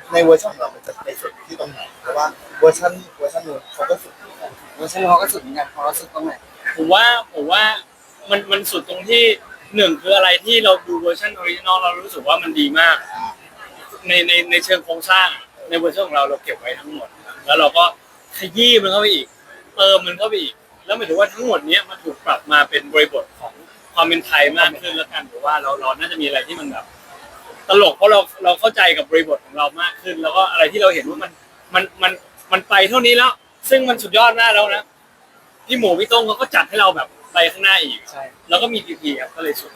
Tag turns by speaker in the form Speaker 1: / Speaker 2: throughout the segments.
Speaker 1: ในเวอร์ชันของเรามันจะไปสุดที่ตรงไหนเพราะว่าเวอร์ชันนู้นเขาก็สุดเหมือนกัน
Speaker 2: เวอร์ชันเขาก็สุดเหมือนกันเขาสุดตรงไหน
Speaker 3: ผมว่ามันสุดตรงที่หนึ่งคืออะไรที่เราดูเวอร์ชันออริจินอลเรารู้สึกว่ามันดีมากในเชิงโครงสร้างในเวอร์ชันของเราเก็บไว้ทั้งหมดแล้วเราก็ขยี้มันเข้าไปอีกเติมมันเข้าไปอีกแล้วหมายถึงว่าทั้งหมดนี้มันถูกปรับมาเป็นบริบทของความเป็นไทยมากขึ้นแล้วกันหรือว่าเราน่าจะมีอะไรที่มันแบบตลกเพราะเราเข้าใจกับบริบทของเรามากขึ้นแล้วก็อะไรที่เราเห็นว่ามันไปเท่านี้แล้วซึ่งมันสุดยอดมากแล้วนะพี่หมูพี่ต้งเขาก็จัดให้เราแบบไปข้างหน้าอีก
Speaker 2: ใช่
Speaker 3: แล้วก็มีพีครับก็เลยสุด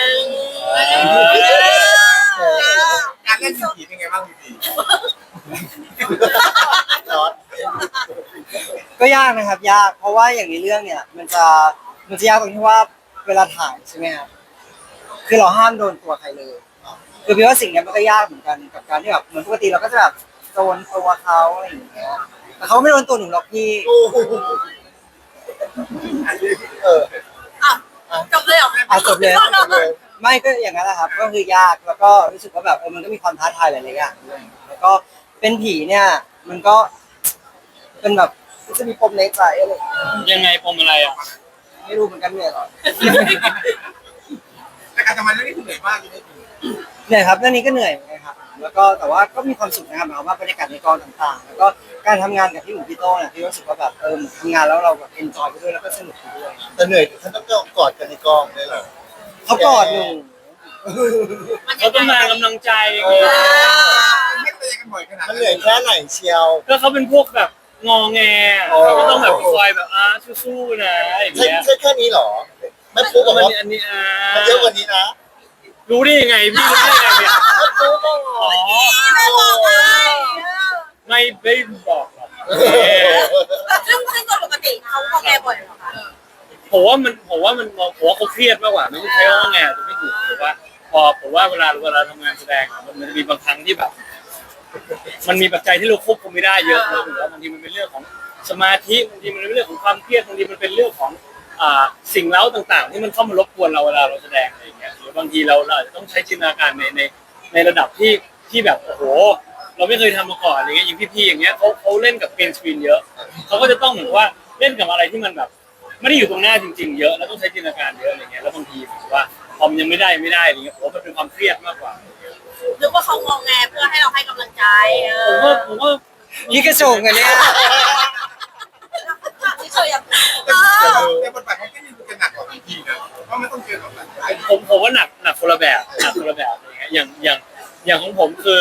Speaker 4: การเล่นผีเป็นไงบ้างผี
Speaker 1: น็อต
Speaker 2: ก็ยากนะครับยากเพราะว่าอย่างในเรื่องเนี่ยมันจะยากตรงที่ว่าเวลาถ่ายใช่ไหมครับคือเราห้ามโดนตัวใครเลยคือพี่ว่าสิ่งนี้มันก็ยากเหมือนกันกับการที่แบบเหมือนปกติเราก็จะแบบโดนตัวเขาอะไรอย่างเงี้ยแต่เขาไม่โดนตัวหนูหรอกพี่
Speaker 1: โอ้โหเออ
Speaker 5: จบเลยเหรอ
Speaker 2: จบเลยไม่ก็อย่างนั้นแหละครับก็คือยากแล้วก็รู้สึกว่าแบบมันก็มีความท้าทายหลายๆอย่างด้วยแล้วก็เป็นผีเนี่ยมันก็เป็นแบบจะมีปมในใจอะไรอย่างเงี้ย
Speaker 3: ยังไงปมอะไรอ่ะ
Speaker 2: ไม่รู้เหมือนกันเนี่ยหรอ
Speaker 4: แต่การทำงานเรื่องนี้เหนื่อยมากเลย
Speaker 2: เหนื่อยครับเรื่องนี้ก็เหนื่อยเหมือนกันครับแล้วก็แต่ว่าก็มีความสุขนะครับหมายความว่าบรรยากาศในกองต่างๆ แล้วก็การทำงานกับพี่หมูพี่โต้เนี่ยพี่รู้สึกว่าแบบทำงานแล้วเราแบบเอนจอยไปด้วยแล้วก็สนุกไปด้วย
Speaker 1: แต่เหนื่อยฉันต้องกอดกันในกองเลยเหรอ
Speaker 2: เขากอดหนู
Speaker 3: เขาต้องการกำลังใจไง
Speaker 4: ไม่เจอกันบ่อยขนาด
Speaker 1: มันเหนื่อยแค่ไหนเชียว
Speaker 3: ก็เขาเป็นพวกแบบงอแงเขาก็ต้องแบบคอยแบบสู้ๆนะอย่าง
Speaker 1: ใช่
Speaker 3: เงี้ย
Speaker 1: ใช่แค่นี้เหรอไม่ปุ๊บกับ
Speaker 3: มัน
Speaker 1: ว่า
Speaker 3: อันนี้
Speaker 1: มันเยอะกว่านี้นะ
Speaker 3: รู้ได้ยังไงพี่รู้ได้ยังไงเนี่ย
Speaker 1: ไม่ปุ๊บก็
Speaker 3: อ๋อ
Speaker 5: ไม่บอกเลย
Speaker 3: ไม่บอกหรอก
Speaker 5: ซึ่งโดยปกติเขาก็แก้บ่อยเหรอคะ
Speaker 3: ผมว่าเขาเครียดมากกว่าไม่ใช่ใช้ว่าไงจะไม่ถูกแต่ว่าผมว่าเวลาทำงานแสดงมันจะมีบางครั้งที่แบบ มันมีปัจจัยที่เราควบคุมไม่ได้เยอะนะหรือว่าบางทีมันเป็นเรื่องของสมาธิบางทีมันเป็นเรื่องของความเครียดบางทีมันเป็นเรื่องของสิ่งเล้าต่างๆที่มันเข้ามารบกวนเราเวลาเราแสดงอะไรอย่างเงี้ยหรือบางทีเราอาจจะต้องใช้จินตนาการในระดับที่แบบโอ้โหเราไม่เคยทำมาก่อนอะไรเงี้ยอย่างพี่ๆอย่างเงี้ยเขาเล่นกับเกมสกรีนเยอะเขาก็จะต้องเหมือนว่าเล่นกับอะไรที่มันแบบไม่ได้อยู่ตรงหน้าจริงๆเยอะแล้วต้องใช้จินตนาการเยอะอะไรเงี้ยแล้วบางทีผมว่าพอมันยังไม่ได้อะไรเงี้ยผมว่ามันเป็นความเครียดมากกว่า
Speaker 5: หรือว่าเขางอแงเพื่อให้เราให้กำลังใจ
Speaker 3: ผมว่า
Speaker 2: นี่กระโจงกันเนี่ย
Speaker 5: ที่เฉยอย่าง
Speaker 4: แต่บทบาทของพี่นี่จะหนักกว่าผีนะเพราะมันต้องเจอกับหลาย
Speaker 3: ผมว่าหนักคนละแบบอะไรเงี้ยอย่างของผมคือ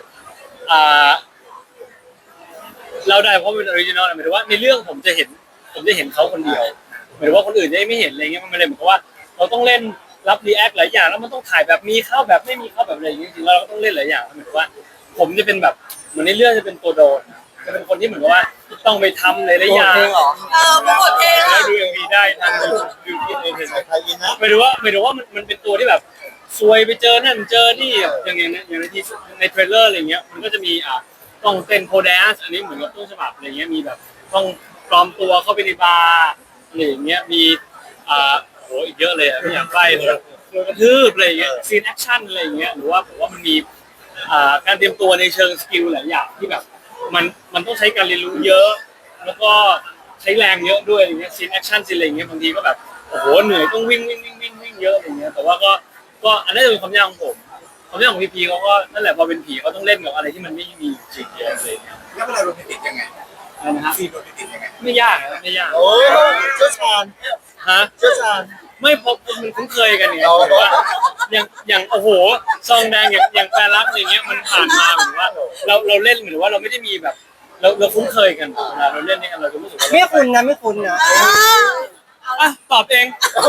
Speaker 3: เราได้เพราะเป็นออริจินอลหมายถึงว่าในเรื่องผมจะเห็นเขาคนเดียวหมายถึงว่าคนอื่นจะไม่เห็นอะไรเงี้ยมันไม่ได้เหมือนกับว่าเราต้องเล่นรับรีแอคหลายอย่างแล้วมันต้องถ่ายแบบมีเข้าแบบไม่มีเข้าแบบอะไรอย่างเงี้ยจริงๆแล้วเราก็ต้องเล่นหลายอย่างหมายถึงว่า ผมจะเป็นแบบเหมือนในเรื่องจะเป็นตัวโดนจะเป็นคนที่เหมือนกับว่าต้องไปทำหลายๆอย่าง
Speaker 2: เพลงเหรอ
Speaker 5: โปรโมทเพลง
Speaker 3: แล้วดูเอ็มวีได้ทำดูที่ในเพจ
Speaker 1: ใส่ไทยอินนะ
Speaker 3: หมายถึงว่ามันเป็นตัวที่แบบซวยไปเจอนั่นเจอนี่อย่างในที่ในเทรลเลอร์อะไรเงี้ยมันก็จะมีต้องเต้นโพแดนซ์อันนี้เหมือนกับต้นฉบับอะไรเงี้ยมีแบบต้องปลอมตัวเข้าไปในบาร์อะไรอย่างเงี้ยมีโหอีกเยอะเลยไม่อยากใกล้เลยโดนกระทืบอะไรเงี้ยซีนแอคชั่นอะไรเงี้ยหรือว่าผมว่ามันมีการเตรียมตัวในเชิงสกิลหลายอย่างที่แบบมันต้องใช้การเรียนรู้เยอะ แล้วก็ใช้แรงเยอะด้วยอย่างเงี้ยซีนแอคชั่นซีนอะไรเงี้ยบางทีก็แบบโอ้โหเหนื่อยต้องวิ่งเยอะอย่างเงี้ยแต่ว่าก็อันนั้นจะเป็นความยากของผมความยากของพีเขาก็นั่นแหละพอเป็นผีเขาต้องเล่นกับอะไรที่มันไม่มีจริงอะไรเงี้ย
Speaker 4: แล้วเวลาโรแมนติกยังไง
Speaker 3: นะฮะ
Speaker 4: ซีนโรแมนติกยังไง
Speaker 3: ไม่ยากไม่ยาก
Speaker 1: โอ้เชี่ยวชาญ
Speaker 3: ฮะ
Speaker 1: เชี่ยวชาญ
Speaker 3: ไม่พอมันคุ้นเคยกันอย่างเงี้ยหรือว่าอย่างโอ้โหซองแดงอย่างแฟนรักอย่างเงี้ยมันผ่านมาเหมือนว่าเราเล่นเหมือนว่าเราไม่ได้มีแบบเราคุ้นเคยกันเวลาเราเล่นนี่กันเราจะรู้สึกว่า
Speaker 2: ไม่คุ้นนะไม่คุ้นนะ
Speaker 3: ตอบเอง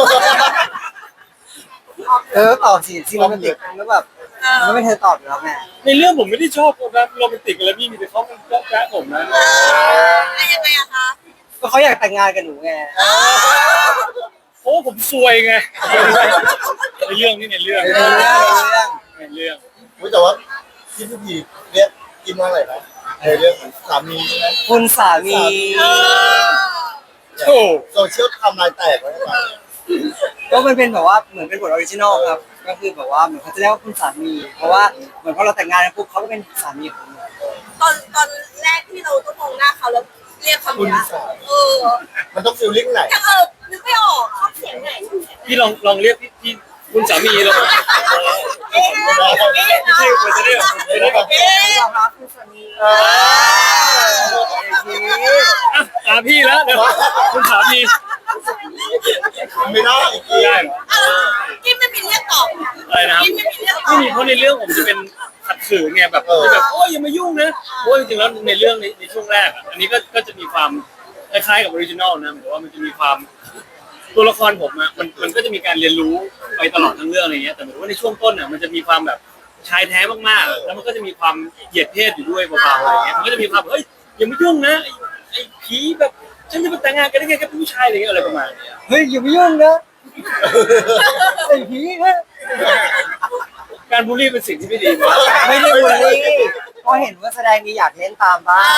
Speaker 2: ตอบสิซีโรแมนติกแล้วแบบมันไม่เธอตอบอยู่แล้วแม่
Speaker 3: ในเรื่องผมไม่ได้ชอบแบบโรแมนติกอะไรพี่มีแต่เขามันก็แจ๊ะผมนะ
Speaker 5: ยังไงอะคะ
Speaker 2: ก็เขาอยากแต่งงานกับหนูไง
Speaker 3: เพราะว่าผมซวยไงในเรื่องนี่ในเรื่อง
Speaker 1: รู้แต่ว่าพี่พีเรียกกินว่าอะไรนะในเรื่องสามีใช่ไหม
Speaker 2: คุณสามี
Speaker 3: โอ้
Speaker 1: โซเชียลทำลายแตกไว้ไหม
Speaker 2: ก็มันเป็นแบบว่าเหมือนเป็นบทออริจินอลครับก็คือแบบว่าเหมือนเขาจะเรียกว่าคุณสามีเพราะว่าเหมือนพอเราแต่งงานกันปุ๊บเขาก็เป็นสามีของหนู
Speaker 5: ตอนแรกที่เราต้องมองหน้าเขาแล้วเรียกคำนี้
Speaker 1: มันต้องฟีลลิ่งไหน
Speaker 5: ยังนึกไม่ออกชอบเสียงไหน
Speaker 3: พี่ลองเรียกพี่คุณสามีเรา
Speaker 5: ไม่ใช่ควรจะเรียก
Speaker 2: ยอมรับคุณสามี
Speaker 3: พี่แล้วเดี๋ยวคุณสามี
Speaker 1: ไม่ได้
Speaker 3: ได้เหรอ
Speaker 5: กินไม่มีเรียกตอบ
Speaker 3: อะไรนะครับ
Speaker 5: กินไม่มีเรียกตอบ
Speaker 3: ไม่มีเพราะในเรื่องผมจะเป็นขัดขืนไงแบบจะแบบโอ้ยอย่ามายุ่งนะเพราะจริงๆแล้วในเรื่องในช่วงแรกอันนี้ก็จะมีความคล้ายๆกับออริจินอลนะแต่ว่ามันจะมีความตัวละครผมอ่ะมันก็จะมีการเรียนรู้ไปตลอดทั้งเรื่องอะไรเงี้ยแต่เหมือนว่าในช่วงต้นอ่ะมันจะมีความแบบชายแท้มากๆแล้วมันก็จะมีความเหยียดเพศอยู่ด้วยเบาๆอะไรเงี้ยมันก็จะมีความเฮ้ยอย่ามายุ่งนะไอ้ผีแบบฉันจะมาแต่งงานกันได้ไงกับผู้ชายอะไรเงี้ยอะไรประมาณนี้
Speaker 2: เฮ้ยอย่าไปยุ่งนะไอ้ผีนะ
Speaker 3: การบูลลี่เป็นสิ่งที่ไม่ดีนะ
Speaker 2: ไม่ได้บูลลี่ก็เห็นว่าแสดงดีอยากเล่นตามบ้าง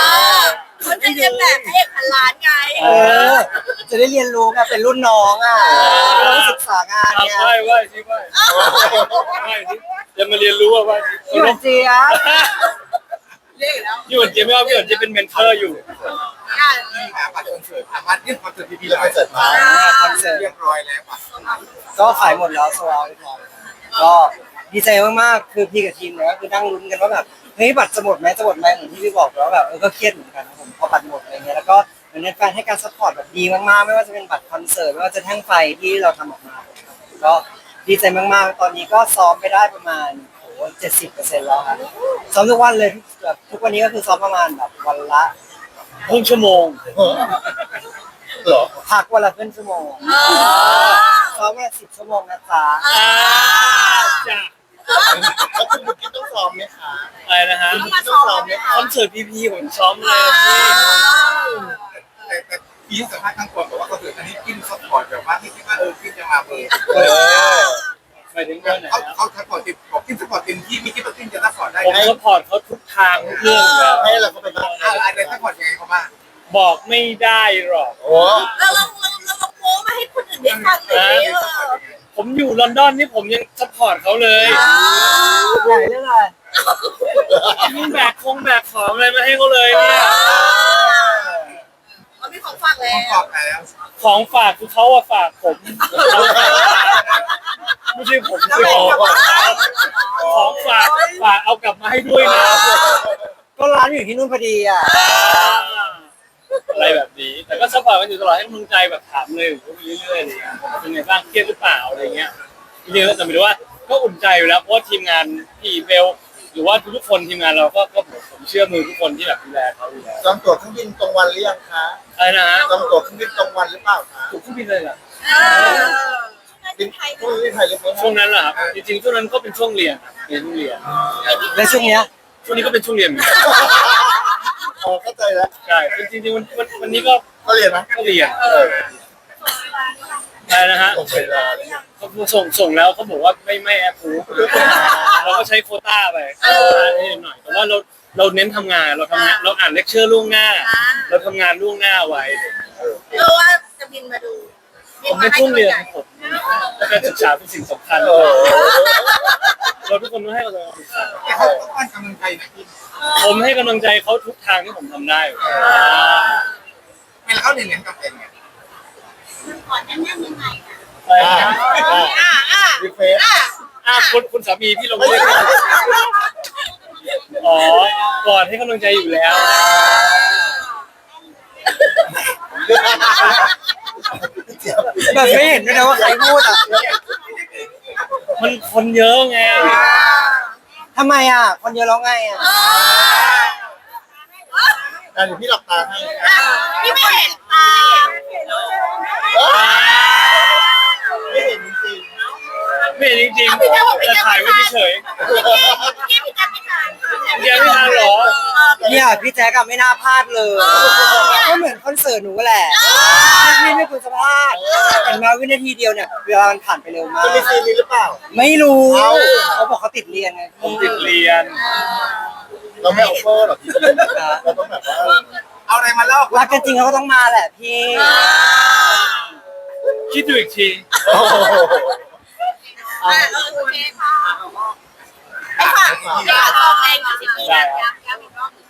Speaker 5: เขาจะเรียนแบบพระเอกพันล้านไง
Speaker 2: จะได้เรียนรู้ไงเป็นรุ่นน้องอ่ะต้องศึกษางานเนี่ย
Speaker 3: ไหว้สิไหว้สิจะมาเรียนรู้ว่า
Speaker 2: พี่หวานเจี๊ยบ
Speaker 5: เรียกแล้ว
Speaker 3: พี่หวนเจี๊ยบไม่ว่าพี่หวนเจี๊ยบเป็นเมนเทอร์อยู่
Speaker 4: ที่หาบัตรคอนเสิร์ตมาเรื่องคอนเสิร์ต
Speaker 1: พี่
Speaker 4: พี่
Speaker 1: เราไปเสิร์ฟมา
Speaker 2: คอนเสิร์ต
Speaker 4: เรียบร้อยแล้วป่ะ
Speaker 2: ก็ขายหมดแล้วโซลเอาท์เรียบร้อยก็ดีใจมากๆคือพี่กับทีมเนี่ยก็คือนั่งลุ้นกันว่าแบบเฮ้ยบัตรจะหมดไหมเหมือนที่พี่บอกแล้วแบบก็เครียดเหมือนกันครับผมพอบัตรหมดอะไรเงี้ยแล้วก็เหมือนแฟนให้การซัพพอร์ตแบบดีมากๆไม่ว่าจะเป็นบัตรคอนเสิร์ตไม่ว่าจะแท่งไฟที่เราทำออกมาก็ดีใจมากๆตอนนี้ก็ซ้อมไปได้ประมาณ70%แล้วครับซ้อมทุกวันเลยแบบทุกวันนี้ก็คือซ้อมประมาณแบบวันละ
Speaker 3: ครึ่งชั่วโมง
Speaker 1: เหรอ
Speaker 2: พักวันละครึ่งชั่วโมงซ้อมวันละ10 ชั่วโมงนะจ๊ะ
Speaker 3: จ้ะ
Speaker 1: แล้วคุณบุกินต้องซ้อมไหมคะ
Speaker 3: อะไรนะฮะ
Speaker 1: คุณบุกินต้องซ้อมไหมคะ
Speaker 3: คอนเสิร์ตพีผมซ้อมเลยพี่
Speaker 4: แต่พี่สัมภาษณ์ข้างก่อนบอกว่าคอนเสิร์ตอันนี้กินซัพพอร์ตแบบว่าที่คิดว่ากินจะมาเปิด
Speaker 3: ไปถึงเรื่องไหนนะ
Speaker 4: เขาซัพพอร์ตเต็มบอกกินซัพพอร์ตเต็มที่ไม่คิดว่ากินจะซัพพอร์ตได้
Speaker 3: ผมซัพพอร์ตเขาทุกทางทุกเรื่องอยู่แล้ว
Speaker 1: ให้เราก็ไปบ้าง
Speaker 4: อะไรซัพพอร์ตยังไงเขาบ้าง
Speaker 3: บอกไม่ได้หรอก
Speaker 1: โอ้
Speaker 5: เราโม้มาให้คนอื่นได้ฟังเลย
Speaker 3: ผมอยู่ลอนดอนนี่ผมยังซัพพอร์ตเขาเลย
Speaker 2: ใหญ่เรื่องอะไร
Speaker 3: มีแบกของอะไรมาให้เขาเลยเนี่ย
Speaker 5: เขามีของฝากแล้
Speaker 4: ต้อง
Speaker 5: ว
Speaker 4: ตอบแล้ว
Speaker 3: ของฝากคือเขาอะฝากผมไม่ใช่ผมซื้อของฝากเอากลับมาให้ด้วยนะ
Speaker 2: ก็ร้านอยู่ที่นู่นพอดีอ่ะ
Speaker 3: อะไรแบบนี้ แต่ก็ซัพพอร์ตกันอยู่ตลอดให้กำลังใจแบบถามเลยก็มีเรื่อยๆอะไรเงี้ยเป็นไงบ้างเครียดหรือเปล่าอะไรเงี้ยจริงๆแล้วแต่ไม่รู้ว่าก็อุ่นใจอยู่แล้วเพราะว่าทีมงานพี่เบลหรือว่าทุกคนทีมงานเราก็ผมเชื่อมือทุกคนที่แบบดูแลเขาอยู่แล้ว
Speaker 1: จองตั๋วเครื่องบินตรงวันหรือยังคะ
Speaker 3: อะไรนะฮะ
Speaker 1: จองตั๋วเครื่องบินตรงวันหรือเปล่าคะ
Speaker 3: ถูกขึ้นบินเลยเหรอ
Speaker 1: บินพรุ่งนี้ไทยหรือไม่
Speaker 3: ช่วงนั้นเหรอครับจริงๆช่วงนั้นก็เป็นช่วงเรียนเรียนเรียน
Speaker 2: และช่วงเนี้ย
Speaker 3: ช่วงนี้ก็เป็นช่วงเรียนเหมือนกัน
Speaker 1: อ๋อเข้าใจแล้ว
Speaker 3: ใช่จริงๆวันนี้ก็
Speaker 1: ก็เรียนนะ
Speaker 3: เรียนใช่นะฮะ
Speaker 1: โอเคแล้ว
Speaker 3: เขาส่งแล้วเขาบอกว่าไม่แอปพูฟเราก็ใช้โควต้าไปนิดหน่อยแต่ว่าเราเน้นทำงานเราทำงานเราอ่านเลคเชอร์ล่วงหน้า เราทำงานล่วงหน้าไว้
Speaker 5: ว่าจะบินมาดู
Speaker 3: ผมเป็นช่วงเรียนของผมและการศึกษาเป็นสิ่งสำคัญเราทุกคนต้องให้กำลังใจ
Speaker 4: แต่เขาต้องการกำลังใจนะพี่
Speaker 3: ผมให้กำลังใจเขาทุกทางที่ผมทำได้
Speaker 4: เวลาเขาเรียนกับเป็นไง
Speaker 5: ก่อนนั่งยังไง
Speaker 1: รีเฟซ
Speaker 3: คุณสามีพี่ลงเรียกอ๋อกอดให้กำลังใจอยู่แล้ว
Speaker 2: แบบไม่เห็นด้วยนะว่าใครพูดอ่ะ
Speaker 3: มันคนเยอะไง
Speaker 2: ทำไมอ่ะ คนเยอะแล้วไงอ่ะ
Speaker 1: เดี๋ยวพี่หลับตาให้
Speaker 5: พี่ไม่เห็นตา
Speaker 1: ไม่เห็นจริง
Speaker 3: ไม่จริงๆแต่ถ่ายไว้เฉย
Speaker 5: พี่พี่จะไม่ทาน
Speaker 3: ๆยังไม่ทันหรอ
Speaker 2: เนี่ยพี่แจ๊กอะไม่น่าพลาดเลย ก็เหมือนคอนเสิร์ตหนูแหละพี่ไม่ควรจะพลาดเห็นมาวินาทีเดียวเนี่ยเวลามันผ่านไปเร็วมา
Speaker 1: จะ
Speaker 2: ก
Speaker 1: มีซีนนี้หรือเปล่า
Speaker 2: ไม่รู้เขาบอกเขาติดเรียนไง
Speaker 3: ผมติดเรียน
Speaker 1: เราไม่ออฟเฟอร์หรอกพี่เราต้องแบบว่า
Speaker 4: เอาอะไรมาเล่า
Speaker 2: รักกันจริงเขาก็ต้องมาแหละพี่
Speaker 3: คิดดูอีกที
Speaker 1: โอ้โห
Speaker 5: โอเคค่ะไปฝากเดี๋ยวต่อไป20 ปีนะย้ำอีกรอบ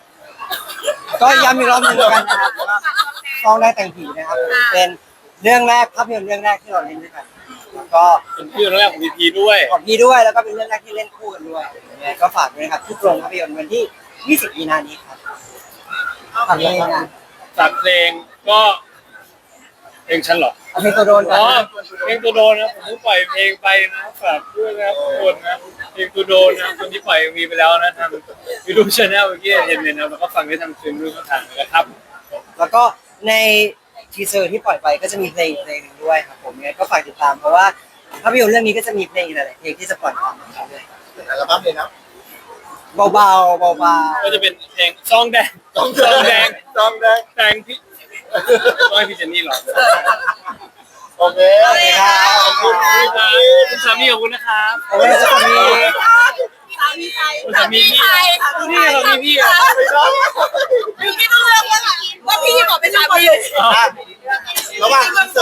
Speaker 2: ก็ย้ำอีกรอบหนึงแล้วกันนะครับฟ้องได้แต่งผีนะครับผมเป็นเรื่องแรกภาพยนตร์เรื่องแรกที่เราเล่นด้วยกันแล้วก็
Speaker 3: เป็นชื่อเรื่องแรกของพีพีด้วย
Speaker 2: ของพี่ด้วยแล้วก็เป็นเรื่องแรกที่เล่นคู่กันด้วยยังไงก็ฝากด้วยนะครับทุกโรงภาพยนตร์วันที่ 20 มีนาคมนี้ครับฝากด้วยนะ
Speaker 3: จากเพลงก็เพลงฉันเหรอ
Speaker 2: เอาเพลงตัวโดนก่อ
Speaker 3: อ๋อน เพลงตัวโดนนะผมเพิ่งปล่อยเพลงไปนะฝากด้วยนะครับทุกคนนะเพลงตัวโดนนะคนที่ปล่อยมีไปแล้วนะทางยูทูบชาแนลเมื่อกี้เห็นเลยนะแล้วก็ฟังได้ทางสตรีมมิ่งช่องทางนะครับ
Speaker 2: แล้วก็ในทีเซอร์ที่ปล่อยไปก็จะมีเพลงอีกเพลงหนึงด้วยครับผมยังไงก็ฝากติดตามเพราะว่าภาพยนตร์เรื่องนี้ก็จะมีเพลงอีกหลายๆเพลงที่จะปล่อยออกมาเรื่อย
Speaker 1: เป็นอัลบั้มเลยนะ
Speaker 2: ๆเบาๆเบา
Speaker 3: ก็จะเป็นเพลงซองแดง
Speaker 1: ต้อง
Speaker 3: ซองแดง
Speaker 1: ต้องแดง
Speaker 3: แดงพี่ต้องให้พี่เจนนี่หรอ
Speaker 1: โอเค
Speaker 3: ขอบคุณคุณสามีขอบคุณนะครับ
Speaker 2: ๆเอาไว้จะมี
Speaker 5: สามีไทย
Speaker 3: สามีพี่นี่สามีพี่อ่ะ
Speaker 1: ไม่ได้
Speaker 5: พี่ไม่ต้องเลือกว่าพี่บอกเป็นสามี
Speaker 1: ระหว่าง